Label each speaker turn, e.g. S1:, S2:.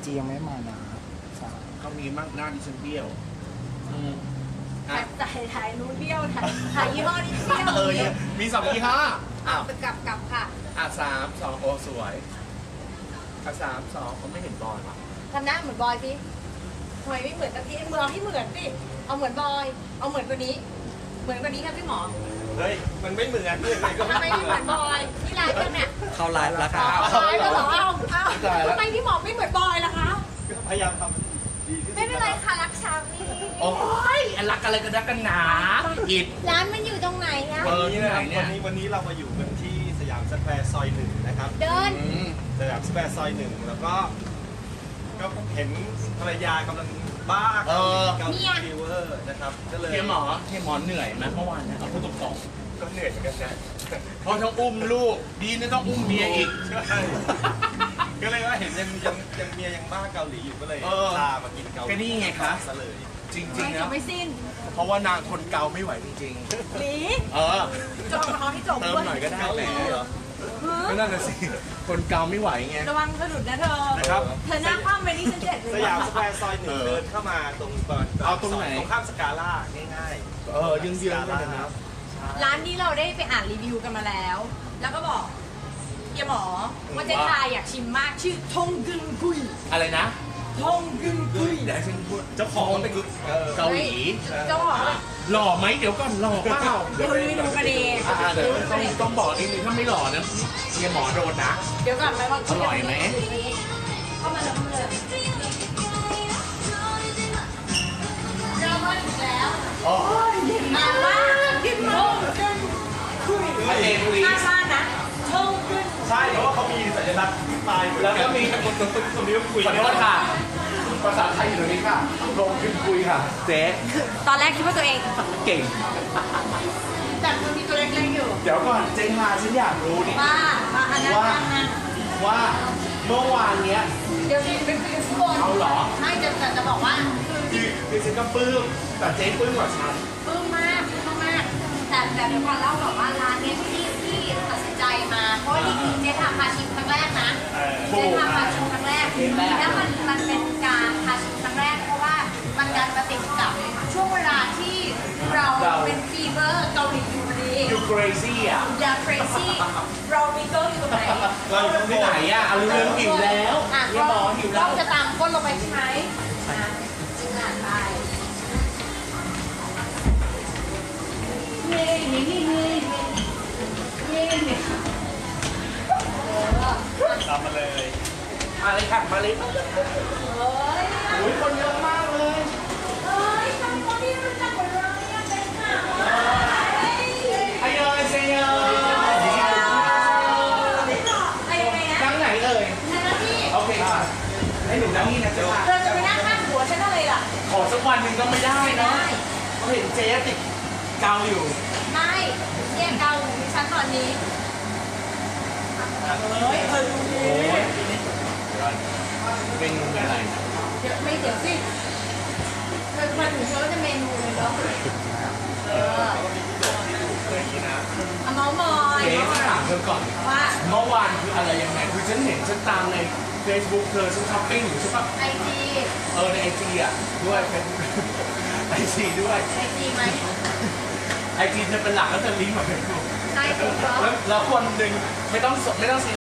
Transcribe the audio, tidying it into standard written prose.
S1: จียังไม่มานะ
S2: เขามีมากหน้าดิฉันเบี้ยว
S3: ถ่ายนู้นเบี้ยวถ่ายยี่ห้อนี้เบี้ยว
S2: มี2 ยี่ห้อ
S3: ไปกลับค่ะ
S2: 3 2โอ้สวย3 2เขาไม่เห็นบอลว่ะ
S3: ทำหน้าเหมือนบอยสิทำไมไม่เหมือนกับพี่มือเอาที่เหมือนสิเอาเหมือนบอยเอาเหมือนกว่านี้เหมือนกว่านี้ครับพี่หมอ
S2: เฮ้ยมันไม่เหมือนเลย
S3: ทำไมไม่เหมือนบอยนี่ไลฟ์กันเนี่ย
S1: เข้าไลฟ์แล้วค่ะ
S3: ไลฟ์แล้วเหรอเอาทำไมพี่หมอไม่เหมือนบอยล่ะคะ
S2: พยายามทำ
S3: ไม่เป็นไรค่ะรักชามนี่
S2: โอ้ยรักอะไรกันนักกันหนาอิด
S3: ร้านมันอยู่ตรงไหนอะ
S4: วันนี้เรามาอยู่กันที่สยามสแควร์ซอย 1นะครับ
S3: เดิน
S4: สยามสแควร์ซอย 1แล้วก็เห็นภรรยากำลังบ้าเกาหลีฟีเวอร์นะครับก็เลย
S2: เฮียหมอเหนื่อยไหมเมื่อวานเนี่ยเอาพูดตรง
S4: ก็เหนื่อยเหมือนกันนะ
S2: เพราะต้องอุ้มลูกดีนะต้องอุ้มเมียอีก
S4: ก็เลยว่าเห็นยังเมียยังบ้าเกาหลีอยู่ก็เลยพามากินเกาหลี
S2: ก็นี่ไงคะ
S4: ซะเลย
S2: จริงๆนะ
S3: ไม่สิ้น
S2: เพราะว่านางทนเกาไม่ไหวจริง
S3: ๆหลีจบเขาที่จบ
S2: เติมหน่อยก็ได้แหละก็นั่นแหละสิคนเกาไม่ไหวไง
S3: ระวังสะดุดนะเธอ
S2: นะครับ
S3: เธอหน้าคว่ำไปนี่ฉันเจ็บเลย
S4: สยามสแควร์ซอย 1เดินเข้ามาตรง
S2: เอาตรงไหน
S4: ตรงข้ามสกาล่าง่าย
S2: ๆยืนๆเลยนะ
S3: ร้านนี้เราได้ไปอ่านรีวิวกันมาแล้วแล้วก็บอกเฮียหมอว่าเจ๊ทายอยากชิมมากชื่อทงกึนกุย
S2: อะไรนะ
S3: ทงกึนกุย
S2: เดี๋ยวฉันพูดเจ้าของเป็นเกาหลี
S3: เจ้าของ
S2: หล่อไหมเดี๋ยวก่อนหล่อเปล่า
S3: เดี๋ยวดูกันเอง
S2: เดี๋ยวต้องบอกนิดนึงถ้าไม่หล่อนะเฮียหมอโดนนะ
S3: เดี๋ยวก่อนไปว่า
S2: อร่อยไหม
S3: เข้ามาแล้วเลยเรามาถึงแล้วมาว่ากินทงกึนกุยน่าบ้านนะทงกึน
S4: ใช่เพราะว่าเขามีสัญลักษณ์ปลาย
S2: แล้วก็มีคนนี้ก็คุยขอโทษค่ะภาษาไทยอยู่ตรงนี้ค่ะลงขึ้นคุยค่ะเจ๊
S3: ตอนแรกคิดว่าตัวเอง
S2: เก่ง
S3: แต่มันมีตัวเล็กๆอยู่
S2: เดี๋ยวก่อนเจ๊ฮาฉันอยากรู้นี่
S3: ว่าอันนั้น
S2: ว่าเมื่อวานเนี้ย
S3: เดี๋ยวนี้เป็นคุยกันทุกคน
S2: เอาเหรอ
S3: ไม่จะบอกว่า
S2: คือฉันก็ปลื้มแต่เจ๊ปลื้มกว่าฉัน
S3: ปลื้มมากแต่เดี๋ยวก่อนเล่าแบบว่าร้านนี้ที่ตัดสินใจมาเพราะว่านี่คือเจ๊ทำพาชิมครั้งแรกนะเจ๊ทำพาชิมครั้งแรกแล้วมันเป็นการพาชิมครั้งแรกเพราะว่ามันดันมาติดกับช่วงเวลาที่เราเป็นฟีเวอร์เกาหลีอยู่พอดี
S2: อยู่ crazy อ่ะ
S3: อย่า crazy เรามีเกาอยู่ตรงไหน
S2: เราอยู่ที่ไหนอ่ะเอาเรื่องหิวแล้วอย่าบอกหิวแล้ว
S3: จะตามก้นลงไปใช่ไหมไป
S4: ตามมาเลย
S2: มาเลยค่ะมาเลยโอ้ยคนเยอะมากเลย
S3: ทำคนที่รู้จักหมดเลยเป็นข่าว
S2: ไอเอ๋ยเซเยอนั่งไหนเอ่ยโอเคค่ะให้หนูนั่งนี่นะจ๊ะ
S3: เธอจะไปนั่งข้างหัวฉันอะไรล่ะ
S2: ขอสักวันหนึ่งก็ไม่ได้เนาะเขาเห็นเจ๊ติดเกาอยู่
S3: ไม่เนี่ยเกาฉันตอนนี้เฮ้ยเธอดูดิ
S2: เมนูอะไร
S3: เดี๋ยวสิเธอมาถึงเธอจะเมนูเลยเนาะเอาเมาส์มอย
S2: เจ๊ถามเธอก่อน
S3: ว่า
S2: เมื่อวานคืออะไรยังไงคือฉันเห็นฉันตามใน Facebook เธอฉันช้อปปิ้งอยู่ใช่ปะ
S3: IG
S2: ใน IG อ่ะด้วยเป็น IG ด้วย
S3: IG ไหม
S2: IG เธอเป็นหลักแล้วเธอลิงก์มาเป็นกลุ่ม
S3: ใช่ถูกต้อง
S2: แล้วคนหนึ่งไม่ต้อง